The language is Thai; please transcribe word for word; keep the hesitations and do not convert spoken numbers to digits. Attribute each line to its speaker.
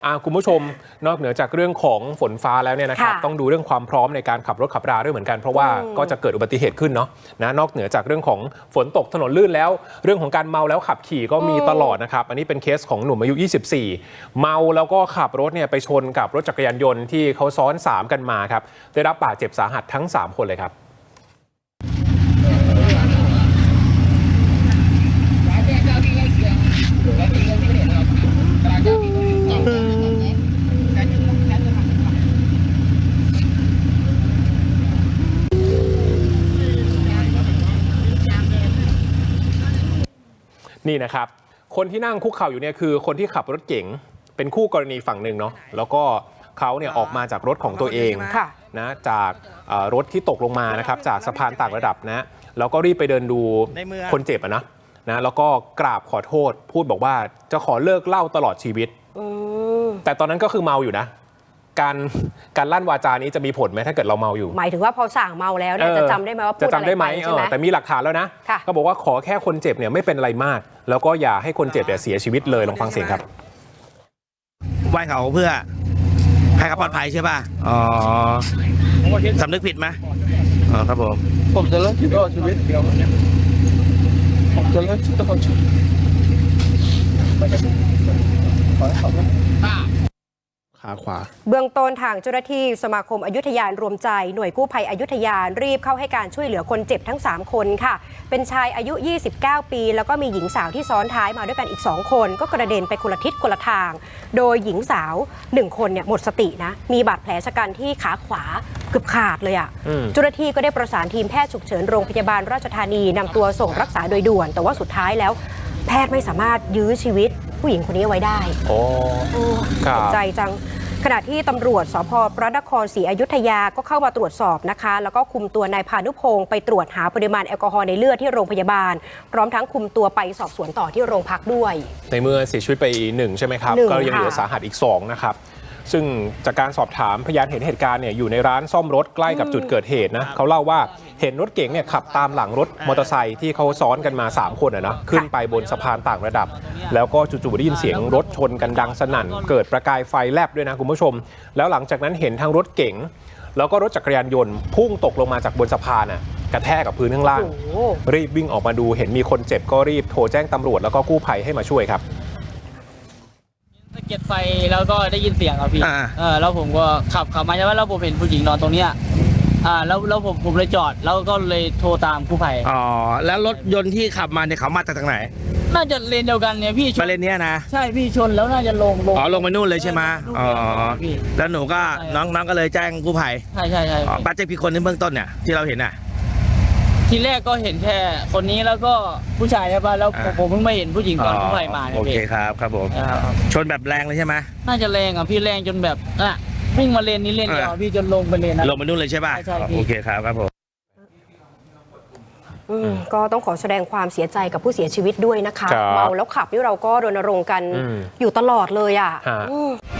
Speaker 1: คุณผู้ชมนอกเหนือจากเรื่องของฝนฟ้าแล้วเนี่ยนะครับต้องดูเรื่องความพร้อมในการขับรถขับราด้วยเหมือนกันเพราะว่าก็จะเกิดอุบัติเหตุขึ้นเนาะนะนอกเหนือจากเรื่องของฝนตกถนนลื่นแล้วเรื่องของการเมาแล้วขับขี่ก็มีตลอดนะครับอันนี้เป็นเคสของหนุ่มอายุยี่สิบสี่เมาแล้วก็ขับรถเนี่ยไปชนกับรถจักรยานยนต์ที่เขาซ้อนสามกันมาครับได้รับบาดเจ็บสาหัสทั้งสามคนเลยครับนี่นะครับคนที่นั่งคุกเข่าอยู่เนี่ยคือคนที่ขับรถเก๋งเป็นคู่กรณีฝั่งหนึ่งเนาะแล้วก็เขาเนี่ยออกมาจากรถของตัวเองนะจากรถที่ตกลงมานะครับจากสะพานต่างระดับนะแล้วก็รีบไปเดินดูคนเจ็บนะนะแล้วก็กราบขอโทษพูดบอกว่าจะขอเลิกเหล้าตลอดชีวิตแต่ตอนนั้นก็คือเมาอยู่นะการการลั่นวาจานี้จะมีผลไหมถ้าเกิดเราเมาอยู่
Speaker 2: หมายถึงว่าพอสั่งเมาแล้วเนี่ยจะจำได้ไหมว่าพูดอะไรไปใช่ไหม
Speaker 1: แต่มีหลักฐานแล้วนะก็บอกว่าขอแค่คนเจ็บเนี่ยไม่เป็นอะไรมากแล้วก็อย่าให้คนเจ็บเนี่ยเสียชีวิตเลยลองฟังเสียงครับ
Speaker 3: ไหว้เขาเพื่อให้เขาปลอดภัยใช่ป่ะอ๋อสำนึกผิดไหมอ๋อครับผม
Speaker 4: ผมจะเลิกตลอดชีวิตผมจะเลิกตลอดชีวิต
Speaker 1: ขาขวา
Speaker 2: เบื้องต้นทางเจ้าหน้าที่สมาคมอยุธยารวมใจหน่วยกู้ภัยอยุธยารีบเข้าให้การช่วยเหลือคนเจ็บทั้งสามคนค่ะเป็นชายอายุยี่สิบเก้าปีแล้วก็มีหญิงสาวที่ซ้อนท้ายมาด้วยกันอีกสองคนก็กระเด็นไปคนละทิศคนละทางโดยหญิงสาวหนึ่งคนเนี่ยหมดสตินะมีบาดแผลชะกันที่ขาขวาเกือบขาดเลยอ่ะเจ้าหน้าที่ก็ได้ประสานทีมแพทย์ฉุกเฉินโรงพยาบาลราชธานีนำตัวส่งรักษาโดยด่วนแต่ว่าสุดท้ายแล้วแพทย์ไม่สามารถยื้อชีวิตผู้หญิงคนนี้ไว้ได้
Speaker 1: โอ้
Speaker 2: เจ็บใจจังขณะที่ตำรวจสภ.พระนครศรีอยุธยาก็เข้ามาตรวจสอบนะคะแล้วก็คุมตัวนายพานุพงศ์ไปตรวจหาปริมาณแอลกอฮอล์ในเลือดที่โรงพยาบาลพร้อมทั้งคุมตัวไปสอบสวนต่อที่โรงพักด้วย
Speaker 1: ในเมื่อเสียชีวิตไปหนึ่งใช่ไหมครับก็ยังเหลือสาหัสอีกสองนะครับซึ่งจากการสอบถามพยานเห็นเหตุการณ์เนี่ยอยู่ในร้านซ่อมรถใกล้กับจุดเกิดเหตุนะเขาเล่าว่าเห็นรถเก๋งเนี่ยขับตามหลังรถมอเตอร์ไซค์ที่เขาซ้อนกันมาสามคนนะขึ้นไปบนสะพานต่างระดับแล้วก็จู่ๆได้ยินเสียงรถชนกันดังสนั่นเกิดประกายไฟแลบด้วยนะคุณผู้ชมแล้วหลังจากนั้นเห็นทั้งรถเก๋งแล้วก็รถจักรยานยนต์พุ่งตกลงมาจากบนสะพานน่ะกระแทกกับพื้นข้างล่างรีบวิ่งออกมาดูเห็นมีคนเจ็บก็รีบโทรแจ้งตำรวจแล้วก็กู้ภัยให้มาช่วยครับ
Speaker 5: สะเก็ดไฟแล้วก็ได้ยินเสียงครับพี่เออแล้วผมก็ขับขับมาใช่ไหมแล้วผมเห็นผู้หญิงนอนตรงเนี้ยอ่าแล้วแล้วผมผมเลยจอดแล้วก็เลยโทรตามกู้ภัย
Speaker 3: อ๋อแล้วรถยนต์ที่ขับมาเนี่ยเขามาจากทางไหน
Speaker 5: น่าจะเลนเดียวกันเนี่ยพี่
Speaker 3: มาเลนเนี้ยนะ
Speaker 5: ใช่พี่ชนแล้วน่าจะลงลง
Speaker 3: อ๋อลงไปนู่นเลยใช่ไหมอ๋อแล้วหนูก็น้องน้องก็เลยแจ้งกู้ภัย
Speaker 5: ใช่ใช่ใช่
Speaker 3: บาดเจ็บกี่คนในเบื้องต้นเนี่ยที่เราเห็นน่ะ
Speaker 5: ทีแรกก็เห็นแค่คนนี้แล้วก็ผู้ชายใช่ป่ะแล้วผมเพิ่งมาเห็นผู้หญิงตอนกู้ภัยมา
Speaker 3: โอเคครับครับผมชนแบบแรงเลยใช่ไหม
Speaker 5: น่าจะแรงอ่ะพี่แรงจนแบบอ่ะวิ่งมาเลนนี้เลนเดียวพี่จนลงไปเลนนะ
Speaker 3: ลงมานู่นเลยใช่ป่ะโอเคครับครับผม
Speaker 2: ก็ต้องขอแสดงความเสียใจกับผู้เสียชีวิตด้วยนะคะเมาแล้วขับนี่เราก็รณรงค์กันอยู่ตลอดเลยอ่ะ